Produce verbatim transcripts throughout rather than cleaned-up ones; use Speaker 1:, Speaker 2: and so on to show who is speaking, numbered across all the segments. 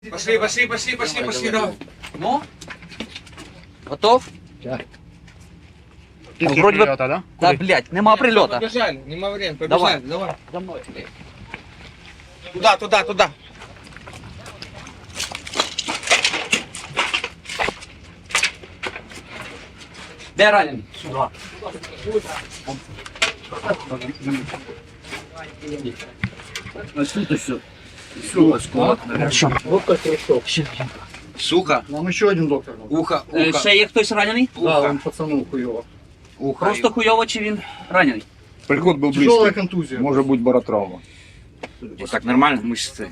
Speaker 1: Пошли, пошли, пошли, пошли, пошли, давай.
Speaker 2: Ну? Готов?
Speaker 3: Так.
Speaker 2: Ну, вроде бы...
Speaker 3: Прильота, да?
Speaker 2: Да, блядь, нема прильота.
Speaker 1: Побежали, нема времени,
Speaker 2: Давай.
Speaker 1: побежали, давай.
Speaker 2: За мною.
Speaker 1: Туда, туда, туда.
Speaker 2: Де ранений? Хорошо.
Speaker 1: Сухо.
Speaker 3: Нам еще один доктор.
Speaker 1: Ухо,
Speaker 2: Е,
Speaker 1: ухо,
Speaker 2: Ще є хтось ранений?
Speaker 3: Да,
Speaker 1: ухо,
Speaker 3: он пацану хуево.
Speaker 1: ухо.
Speaker 2: Просто хуйово чи він ранений?
Speaker 4: Приход был
Speaker 3: Тяжелая
Speaker 4: близкий.
Speaker 3: контузия.
Speaker 4: Может быть баротравма.
Speaker 1: Вот так нормально, мышцы.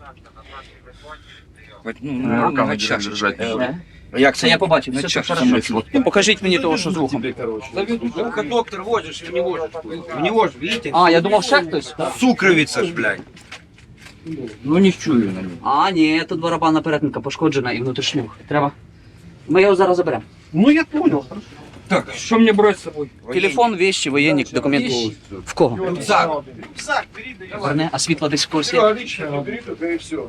Speaker 1: Вот, ну, ну,
Speaker 4: Руками
Speaker 1: на чашечку.
Speaker 4: держать.
Speaker 2: Е.
Speaker 1: Як
Speaker 2: Це я побачив,
Speaker 1: На
Speaker 2: все це
Speaker 1: чашечку.
Speaker 2: хорошо. Ну, покажіть мені того, що з вухом.
Speaker 1: Ухо доктор возишь, в него же. В него же, видите?
Speaker 2: А, я думав, ще хтось?
Speaker 1: Сукровица ж, блядь.
Speaker 4: Ну не чую на нем.
Speaker 2: А, ні, тут барабанна перетинка пошкоджена і внутрішнюх. Треба. Ми його зараз заберемо.
Speaker 3: Ну я понял.
Speaker 1: Так, что мне брать с собой?
Speaker 2: Телефон, вещи, воєнник, документи. В кого?
Speaker 1: Рюкзак.
Speaker 2: Верне, а світло десь в когось є?
Speaker 3: Отлично, бери только и все.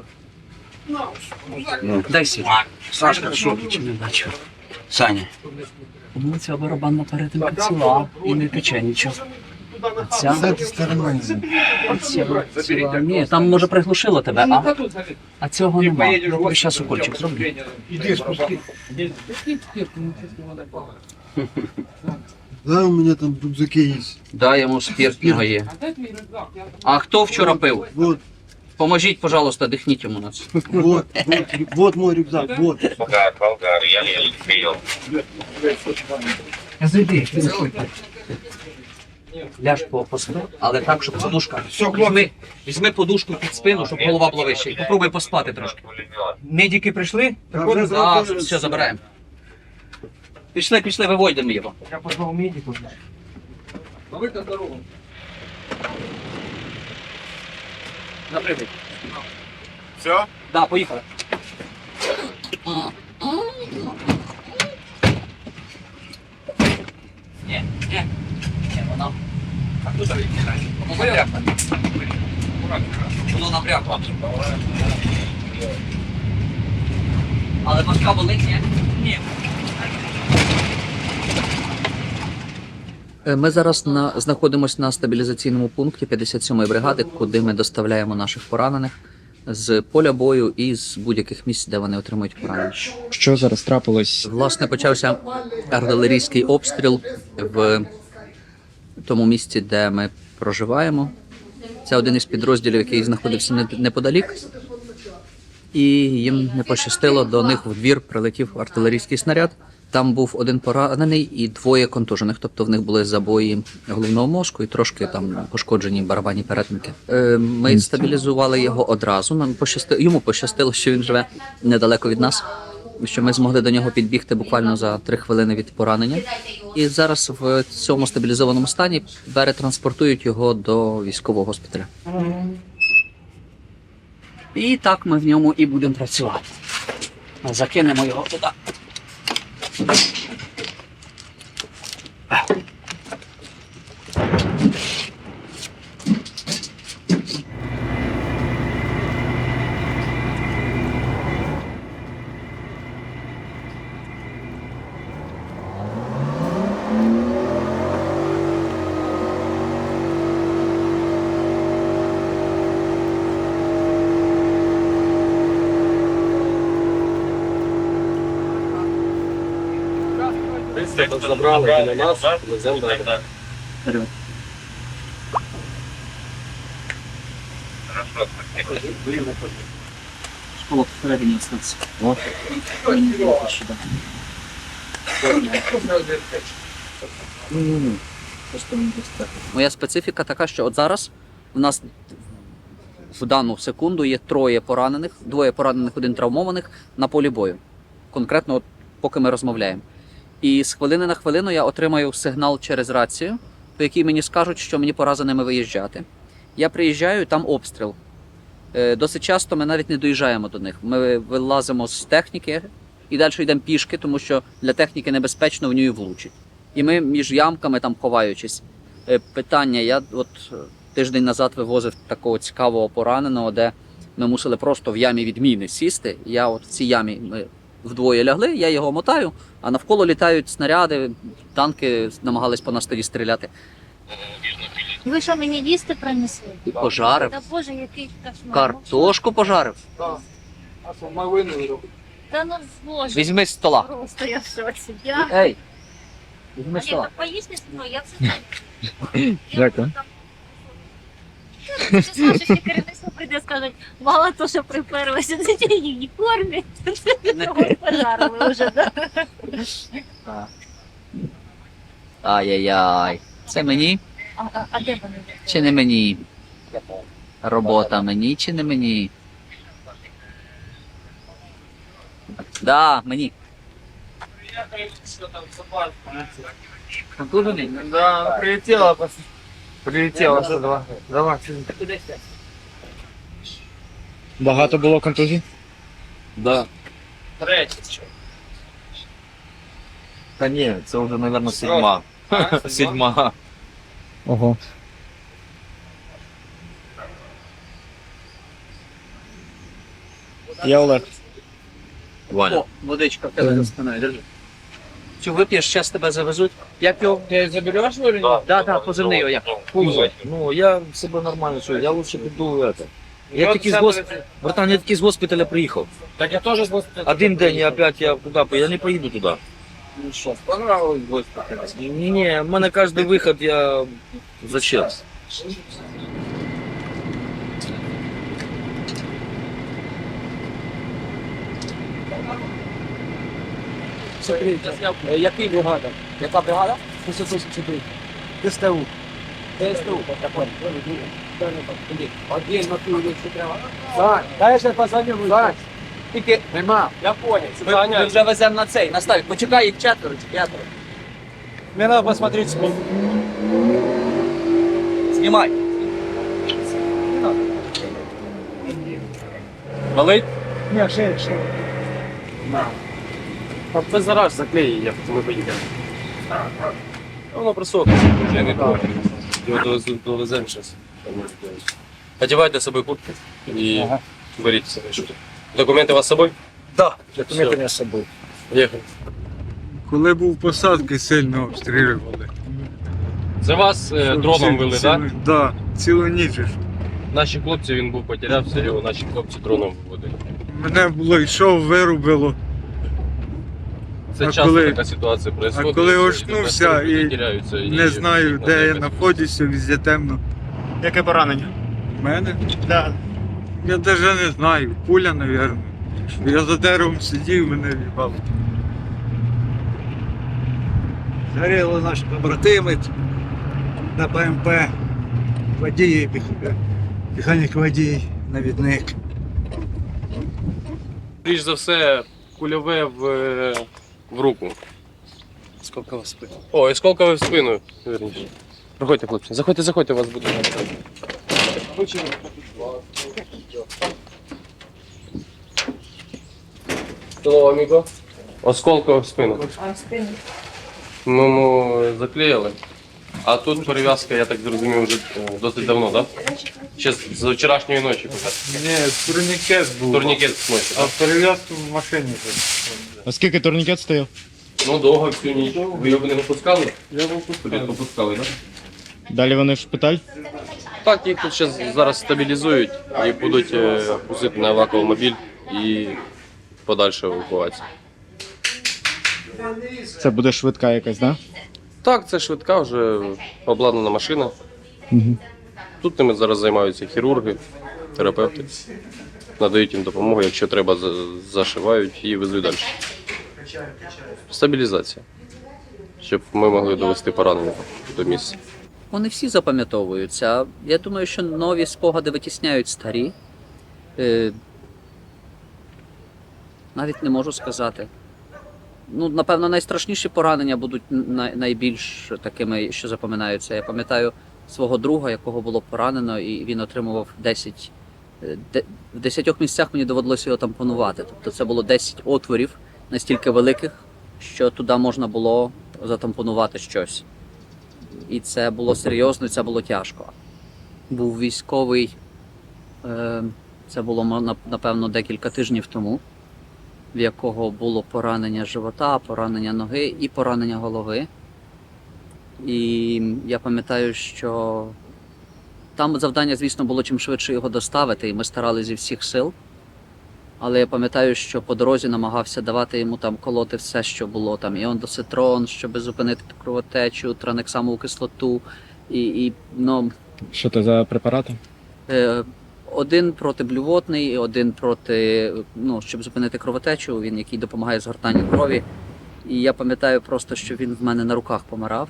Speaker 2: Дай світло.
Speaker 1: Сашка, что?
Speaker 2: Чи не бачу.
Speaker 1: Саня.
Speaker 2: Ну, ця барабанна перетинка ціла і не тече нічого. А ця? А ця ціла. Ні, там може приглушило тебе, а? А цього нема. Я тобі зараз укольчик зроблю.
Speaker 3: Иди спусти.
Speaker 5: Да, у меня там в рюкзаке есть.
Speaker 2: Дай йому спиртного є. А хто вчора пив?
Speaker 5: Вот,
Speaker 2: Поможіть, пожалуйста, дихніть йому на це.
Speaker 5: вот, вот, вот мой рюкзак, вот.
Speaker 2: Зайди, ляж по, по спину, але так, щоб подушка. Візьми, візьми подушку під спину, щоб голова була вища. І попробуй поспати трошки. Медики прийшли?
Speaker 5: Приходять?
Speaker 2: Да, все, забираємо. Пішли, пішли, виводимо його.
Speaker 3: Я позвал медиков.
Speaker 2: Новика здорово. Напрямик.
Speaker 4: Все?
Speaker 2: Да, поїхали. Ні, ні, ні, вона. А тут воно напрягло. Воно напрягло. Але башка болить, ні? Ні. Ми зараз на, знаходимося на стабілізаційному пункті п'ятдесят сьомої бригади, куди ми доставляємо наших поранених з поля бою і з будь-яких місць, де вони отримують поранення.
Speaker 6: Що зараз трапилось?
Speaker 2: Власне, почався артилерійський обстріл в тому місці, де ми проживаємо. Це один із підрозділів, який знаходився неподалік. І їм не пощастило, до них в двір прилетів артилерійський снаряд. Там був один поранений і двоє контужених, тобто в них були забої головного мозку і трошки там пошкоджені барабанні перетинки. Е, Ми стабілізували його одразу. Нам пощастило, йому пощастило, що він живе недалеко від нас, що ми змогли до нього підбігти буквально за три хвилини від поранення. І зараз в цьому стабілізованому стані перетранспортують його до військового госпіталя. І так ми в ньому і будемо працювати. Закинемо його туди.
Speaker 3: Забрали на нас, веземо далі.
Speaker 2: Вперед. Школа посередині остаться. Моя специфіка така, що от зараз у нас в дану секунду є троє поранених, двоє поранених, один травмованих на полі бою. Конкретно, от, поки ми розмовляємо. І з хвилини на хвилину я отримаю сигнал через рацію, по якій мені скажуть, що мені пора за ними виїжджати. Я приїжджаю, там обстріл. Досить часто ми навіть не доїжджаємо до них. Ми вилазимо з техніки і далі йдемо пішки, тому що для техніки небезпечно, в нього влучить. І ми між ямками там ховаючись. Питання, я от тиждень назад вивозив такого цікавого пораненого, де Ми мусили просто в ямі відміни сісти. Я от в цій ямі ми вдвоє лягли, я його мотаю, а навколо літають снаряди, танки намагались по нас тоді стріляти.
Speaker 7: Ви що мені їсти принесли?
Speaker 2: І пожарив.
Speaker 7: Та Боже, який кошмар.
Speaker 2: Картошку пожарив.
Speaker 7: Та ну Боже,
Speaker 2: Візьми з стола.
Speaker 7: просто я в шоці. Я...
Speaker 2: Ей, візьми
Speaker 7: А
Speaker 2: з
Speaker 7: я
Speaker 2: стола.
Speaker 7: так поїсти зі мною, я все
Speaker 6: Дякую.
Speaker 7: Ти скажеш, що керівництво прийде і скажуть, мало то, що приперлися на цій уніформі, того пожарили вже, да?
Speaker 2: Ай-яй-яй. Це мені
Speaker 7: А, а, а де вони?
Speaker 2: чи не мені? Робота мені чи не мені? Да, мені. Контужений?
Speaker 3: Да, прилетела. Прилетела сто два. Давай.
Speaker 6: Багато було контузій?
Speaker 3: Да. Третій. Та ні, це вже, мабуть, седьма. Седьма.
Speaker 6: Ого. Я Олег.
Speaker 3: Ваня.
Speaker 2: О, водичка в тебе за спиною, держи. Чи вип'єш, зараз тебе завезуть? Як його?
Speaker 3: Ти забереш його?
Speaker 2: Да, да, да, позивний його як.
Speaker 3: Ну, я себе нормально чую, я лучше піду это. Я тільки з госпіталя, братан, я тільки з госпіталя приїхав.
Speaker 1: Так я тоже с госпиталя.
Speaker 3: Один день і опять я туди, я не поїду туди.
Speaker 1: Ну что, понравилось госпиталь?
Speaker 3: Ні, ні, в мене кожен виход, я зачем?
Speaker 1: Який бригада? Яка бригада? ДСТУ. ДСТУ. Один на ту вулицю треба. Сань, дай я ще позвоню. Сань. Тільки нема. Я понял.
Speaker 2: Ми, ми вже веземо на цей, на ставік. Почекай, їх четверо чи п'ятеро.
Speaker 1: Мне надо посмотреть спину.
Speaker 2: Знімай.
Speaker 1: Болить? Ні, ще, ще. Ти зараз заклеї, як ми поїдемо.
Speaker 3: Воно просохне, я не помню. Його довезу- довеземо зараз. Одягайте з собою куртку і беріть себе. що тут. Документи у вас з собою?
Speaker 1: Да, документи не з собою.
Speaker 3: Поїхали.
Speaker 8: Коли був посадки, сильно обстрілювали.
Speaker 3: Це вас е, дроном вели, так?
Speaker 8: Так, да, цілу ніч. ж.
Speaker 3: Наші хлопці, він був потерявся, його наші хлопці дроном виводили.
Speaker 8: Мене було йшов, вирубило.
Speaker 3: Це
Speaker 8: А
Speaker 3: часто
Speaker 8: коли-
Speaker 3: така ситуація відбувається.
Speaker 8: а коли очнувся і
Speaker 3: теряються,
Speaker 8: Не знаю, де я знаходжуся, везде темно.
Speaker 6: Яке поранення?
Speaker 8: У мене?
Speaker 6: Да.
Speaker 8: Я навіть не знаю. Пуля, мабуть. Я за деревом сидів, мене в'їбало.
Speaker 5: Згоріли наші побратими на БМП, водій, механік водій, навідник.
Speaker 3: Більш за все, кульове в, е, в руку.
Speaker 2: Скільки вас спить?
Speaker 3: О, і сколкове в спину, вірніше. Проходьте, хлопці. Заходьте, заходьте, у вас буде. Hello, amigo. Осколкове в спину.
Speaker 7: А в спину.
Speaker 3: Ми йому заклеїли. А тут перев'язка, я так зрозумів, вже е, досить давно, так? Да? Ще з з вчорашньої ночі.
Speaker 8: Ні, турнікет був.
Speaker 3: Турнікет з ночі.
Speaker 8: А
Speaker 3: так?
Speaker 8: перев'язку в машині.
Speaker 6: А скільки турнікет стояв?
Speaker 3: Ну, довго всю ніч. Ви його не випускали?
Speaker 8: Я був
Speaker 3: Попускали, так?
Speaker 6: Далі вони в шпиталь?
Speaker 3: Так, їх тут щас, зараз стабілізують і будуть е, пустити на евакуомобіль і подальше евакуація.
Speaker 6: Це буде швидка якась, да?
Speaker 3: Так, це швидка, вже обладнана машина.
Speaker 6: Угу.
Speaker 3: Тут ними зараз займаються хірурги, терапевти. Надають їм допомогу, якщо треба, за- зашивають і везуть далі. Стабілізація. Щоб ми могли довести поранення до місця.
Speaker 2: Вони всі запам'ятовуються. Я думаю, що нові спогади витісняють старі. Е, навіть не можу сказати. Ну, напевно, найстрашніші поранення будуть най- найбільш такими, що запам'ятаються. Я пам'ятаю свого друга, якого було поранено, і він отримував десять. е, де- В десятьох місцях мені доводилося його тампонувати. Тобто це було десять отворів настільки великих, що туди можна було затампонувати щось. І це було серйозно, і це було тяжко. Був військовий е, Це було мо- нап- напевно декілька тижнів тому, в якого було поранення живота, поранення ноги і поранення голови. І я пам'ятаю, що там завдання, звісно, було чим швидше його доставити, і ми старалися зі всіх сил. Але я пам'ятаю, що по дорозі намагався давати йому там колоти все, що було там, і ондоцитрон, щоб зупинити кровотечу, транексамову кислоту, і, і ну,
Speaker 6: Що це за препарати?
Speaker 2: Е, Один протиблювотний, один проти, ну, щоб зупинити кровотечу, він який допомагає згортанню крові. І я пам'ятаю просто, що він в мене на руках помирав.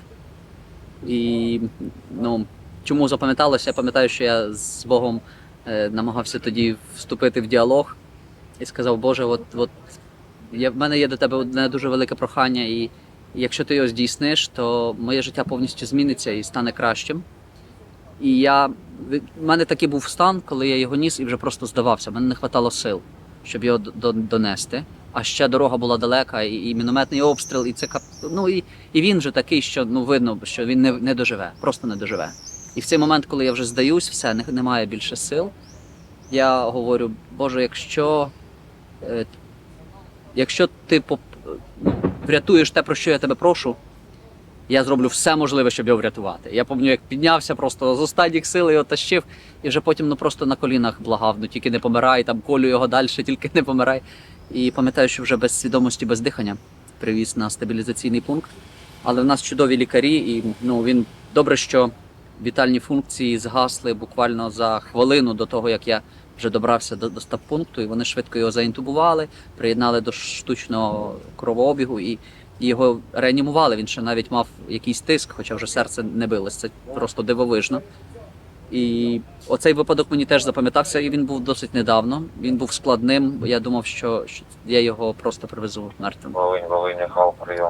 Speaker 2: І ну, чому запам'яталося? Я пам'ятаю, що я з Богом е, намагався тоді вступити в діалог і сказав: Боже, от, от я, в мене є до тебе одне дуже велике прохання, і якщо ти його здійсниш, то моє життя повністю зміниться і стане кращим. І я, в мене такий був стан, коли я його ніс і вже просто здавався. Мене не вистачало сил, щоб його до- до- донести. А ще дорога була далека, і, і мінометний обстріл, і це кап... ну і, і він же такий, що ну видно, що він не, не доживе, просто не доживе. І в цей момент, коли я вже здаюсь, все, не, немає більше сил. Я говорю: Боже, якщо, е, якщо ти поп... ну, врятуєш те, про що я тебе прошу, я зроблю все можливе, щоб його врятувати. Я пам'ятаю, як піднявся просто з останніх сил, його тащив, і вже потім ну просто на колінах благав: ну тільки не помирай, там колю його далі, тільки не помирай. І пам'ятаю, що вже без свідомості, без дихання привіз на стабілізаційний пункт. Але в нас чудові лікарі, і ну він добре, що вітальні функції згасли буквально за хвилину до того, як я вже добрався до, до стаб-пункту, і вони швидко його заінтубували, приєднали до штучного кровообігу і і його реанімували. Він ще навіть мав якийсь тиск, хоча вже серце не билось. Це просто дивовижно. І оцей випадок мені теж запам'ятався, і він був досить недавно. Він був складним. Я думав, що, що я його просто привезу мертвим.
Speaker 4: Волинь, Волинь, Михайло, прийом.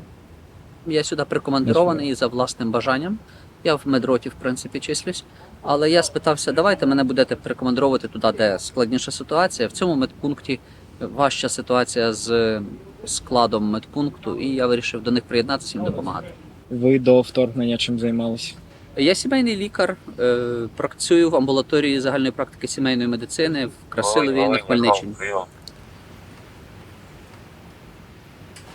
Speaker 2: Я сюди прикомандирований за власним бажанням. Я в медроті, в принципі, числюсь. Але я спитався: давайте мене будете прикомандировувати туди, де складніша ситуація. В цьому медпункті важча ситуація з складом медпункту, і я вирішив до них приєднатися і їм допомагати.
Speaker 6: Ви до вторгнення чим займалися?
Speaker 2: Я сімейний лікар, е, працюю в амбулаторії загальної практики сімейної медицини в Красилові на Хмельниччині.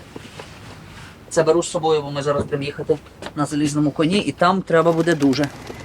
Speaker 2: Це беру з собою, бо ми зараз будемо їхати на залізному коні, і там треба буде дуже.